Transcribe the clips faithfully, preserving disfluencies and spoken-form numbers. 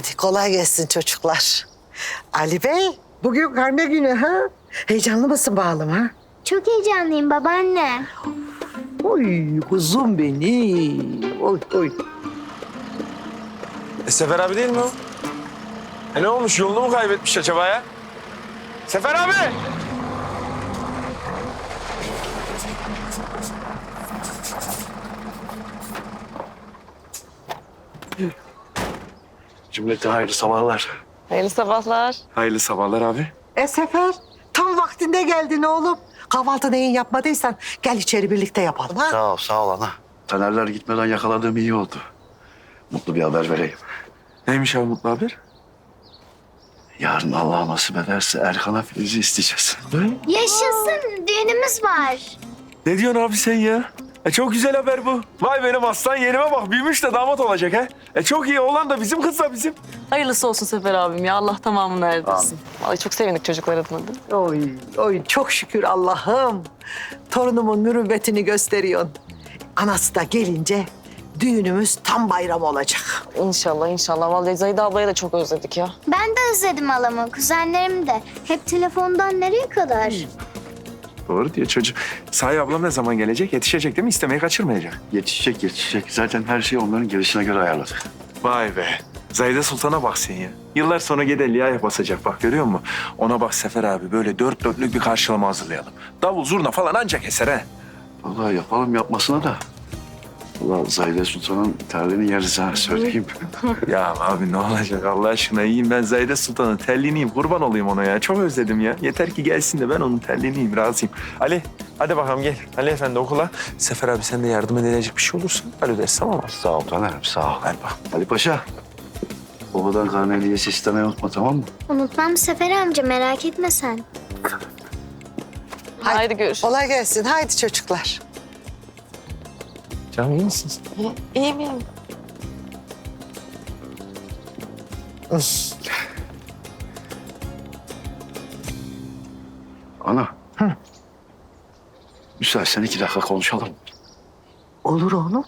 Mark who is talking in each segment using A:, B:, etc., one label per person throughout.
A: Hadi kolay gelsin çocuklar. Ali Bey, bugün karne günü ha? Heyecanlı mısın bağlım ha?
B: Çok heyecanlıyım babaanne.
A: Oy kuzum benim. Oy oy.
C: E, Sefer abi değil mi o? E ne olmuş? Yolunu mu kaybetmiş acaba ya? Sefer abi! Cümlete hayırlı sabahlar.
D: Hayırlı sabahlar.
C: Hayırlı sabahlar abi.
A: E Sefer, tam vaktinde geldin oğlum. Kahvaltı neyin yapmadıysan gel içeri birlikte yapalım ha.
E: Sağ ol, sağ ol ana. Tanerler gitmeden yakaladığım iyi oldu. Mutlu bir haber vereyim.
C: Neymiş abi mutlu haber?
E: Yarın Allah nasip ederse Erkan'a Filiz'i isteyeceğiz.
B: Yaşasın, düğünümüz var.
C: Ne diyorsun abi sen ya? E çok güzel haber bu. Vay benim aslan yeğenime bak. Büyümüş de damat olacak ha. E çok iyi. Oğlan da bizim, kız da bizim.
D: Hayırlısı olsun Sefer abim ya. Allah tamamını erdirsin. Vallahi çok sevindik çocuklar adına da.
A: Oy, oy çok şükür Allah'ım. Torunumun mürüvvetini gösteriyorsun. Anası da gelince düğünümüz tam bayram olacak.
D: İnşallah inşallah. Vallahi Zahide ablaya da çok özledik ya.
B: Ben de özledim halamı, kuzenlerim de. Hep telefondan nereye kadar?
C: Doğru diye çocuk. Sahi ablam ne zaman gelecek? Yetişecek değil mi? İstemeyi kaçırmayacak.
E: Yetişecek, yetişecek. Zaten her şeyi onların gelişine göre ayarladık.
C: Vay be. Zahide Sultan'a bak sen ya. Yıllar sonra Gedelya'ya basacak bak, görüyor musun? Ona bak Sefer abi, böyle dört dörtlük bir karşılama hazırlayalım. Davul zurna falan ancak eser ha.
E: Vallahi yapalım yapmasına da. Vallahi Zahide Sultan'ın terliğini yeriz ha, söyleyeyim.
C: Ya abi ne olacak Allah aşkına, iyiyim ben Zahide Sultan'ın terliğiniyim, kurban olayım ona ya. Çok özledim ya. Yeter ki gelsin de ben onun terliğiniyim, razıyım. Ali hadi bakalım gel. Ali Efendi okula. Sefer abi sen de yardım edilecek bir şey olursa alo dersin, tamam mı?
E: Sağ ol Taner'im, sağ ol.
C: Hadi bak.
E: Ali Paşa, babadan karne hediyesi istemeyi unutma, tamam mı?
B: Unutmam Sefer amca, merak etme sen.
D: Haydi görüşürüz.
A: Kolay gelsin. Haydi çocuklar.
C: Canım iyi misin?
D: İyiyim iyiyim.
E: Ana. Hı. Müsaitsen iki dakika konuşalım.
A: Olur oğlum.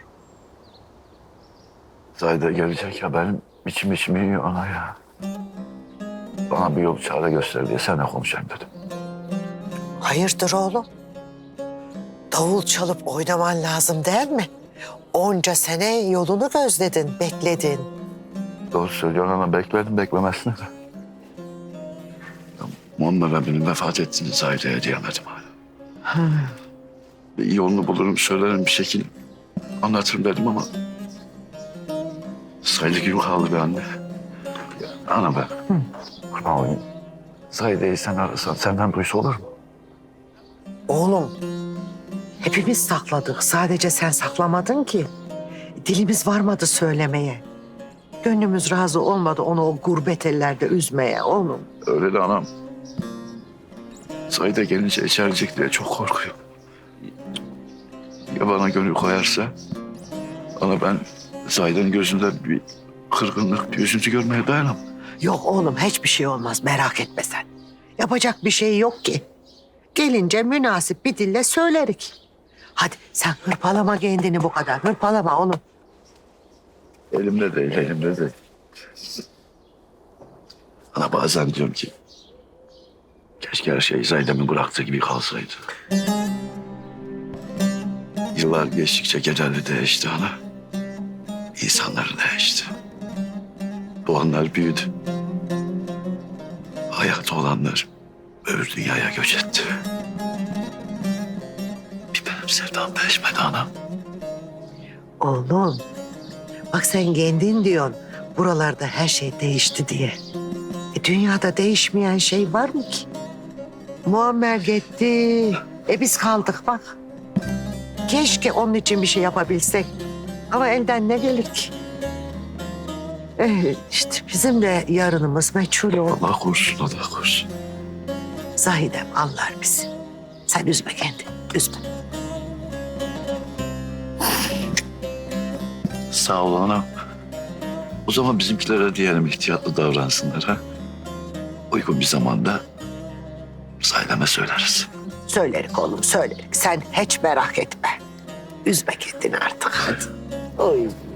E: Zahide gelecek ya, benim içim içimi yiyor ana ya. Bana bir yol çare göster diye seninle konuşayım dedim.
A: Hayırdır oğlum? Davul çalıp oynaman lazım değil mi? Onca sene yolunu gözledin, bekledin.
E: Doğru söylüyorsun ana, bekledim beklemesine de. Ya, Muammer abinin vefat ettiğini Zahide'ye diyemedim hala. Bir yolunu bulurum, söylerim bir şekil anlatırım dedim ama... sayılı gün kaldı be anne. Ya, ana be. Kurban olayım. Zahide'yi sen arasan senden duysa olur mu?
A: Oğlum, hepimiz sakladık. Sadece sen saklamadın ki. Dilimiz varmadı söylemeye. Gönlümüz razı olmadı onu o gurbet ellerde üzmeye oğlum.
E: Öyle de anam. Zahide gelince içerecek diye çok korkuyorum. Ya bana gönül koyarsa? Ana ben Zahide'nin gözünde bir kırgınlık, bir üzüntü görmeye dayanamam.
A: Yok oğlum hiçbir şey olmaz merak etme sen. Yapacak bir şey yok ki. Gelince münasip bir dille söylerik. Hadi sen hırpalama kendini bu kadar. Hırpalama oğlum.
E: Elimde değil, elimde değil. Ana bazen diyorum ki... keşke her şey Zahide'min bıraktığı gibi kalsaydı. Yıllar geçtikçe genelde değişti ana. İnsanları değişti. Doğanlar büyüdü. Hayatta olanlar öbür dünyaya göç etti. Bir benim sevdam değişmedi ana.
A: Oğlum bak sen kendin diyorsun buralarda her şey değişti diye. E, dünyada değişmeyen şey var mı ki? Muammer gitti. E biz kaldık bak. Keşke onun için bir şey yapabilsek. Ama elden ne gelir ki? E, işte bizim de yarınımız meçhul oldu.
E: Allah korusun, Allah korusun.
A: Zahidem anlar bizi. Sen üzme kendini, üzme.
E: Sağ ol anam. O zaman bizimkilere diyelim ihtiyatlı davransınlar ha. Uygun bir zamanda Zahide'me söyleriz.
A: Söylerik oğlum, söylerik. Sen hiç merak etme. Üzme kendini artık hadi. Oy.